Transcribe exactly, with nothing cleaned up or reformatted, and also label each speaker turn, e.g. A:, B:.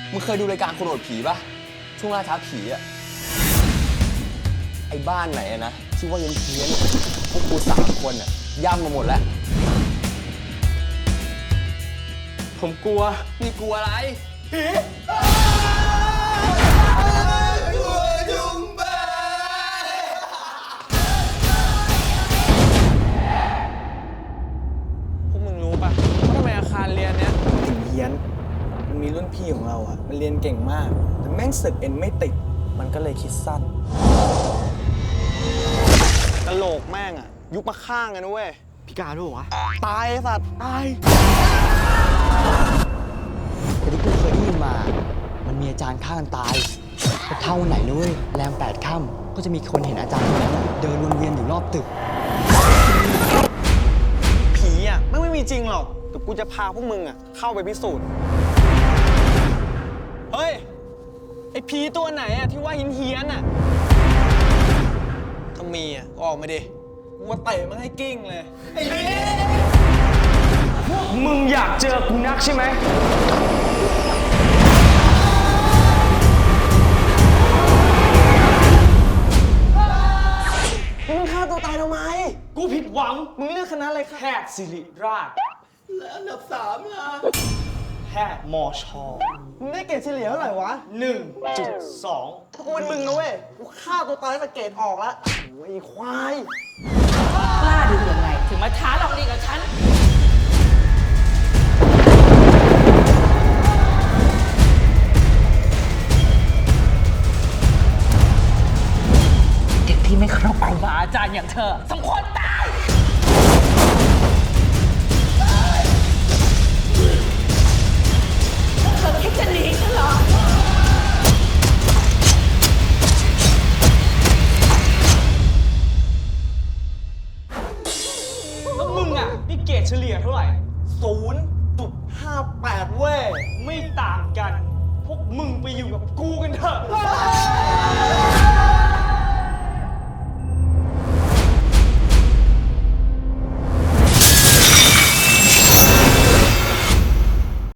A: มึงเคยดูรายการคนโหดผีปะช่วงล่าท้าผีอะไอ้บ้านไหนอะนะชื่อว่าเย็นเพี้ยนพวกกูสามคนอะย่ำมาหมดแล้ว ผมกลัวนี่กลัวอะไรผีพวกมึงรู้ปะว่าทำไมอาคารเรียนเนี้ยถึงเฮี้ยนมันมีรุ่นพี่ของเราอะมันเรียนเก่งมากแต่แม่งสึกเอ็นไม่ติดมันก็เลยคิดสั้นกะโหลกแม่งอะยุบมาข้างกันนะเว้ยพิการด้วยวะตายไอ้สัตว์ตายแต่ที่กูเคยได้ยินมามันมีอาจารย์ฆ่ากันตายแต่เท่าไหนนะเว้ยแรมแปดค่ำก็จะมีคนเห็นอาจารย์คนนั้นเดินวนเวียนอยู่รอบตึกผีอ่ะไม่ไม่มีจริงหรอกแต่กูจะพาพวกมึงอ่ะเข้าไปพิสูจน์เฮ้ยไอผีตัวไหนอ่ะที่ว่าหินเฮียนอ่ะถ้ามีอ่ะก็ออกมาดิกูว่าเตะมันให้กิ้งเลยไอ้ผี
B: มึงอยากเจอกูนักใช่ไหม
A: มึงฆ่าตัวตายทำไม
B: กูผิดหวัง
A: มึงเลือกคณะอะไรคะ
B: แพทย์ศิริราช
A: และอันดับสามล่ะ
B: แพทย์มอชอ
A: มึงได้เกรดเฉลี่ยเท่าไหร่วะ
B: หนึ่งจุดสอง
A: กูเป็นมึงนะเว้ยกูฆ่าตัวตายตั้งแต่เกรดออกแล้วโอ้ยควาย
C: กล้าดูยังไงถึงมาท้าลองดีกับฉันเด็กที่ไม่เคารพครูบาอาจารย์อย่างเธอสม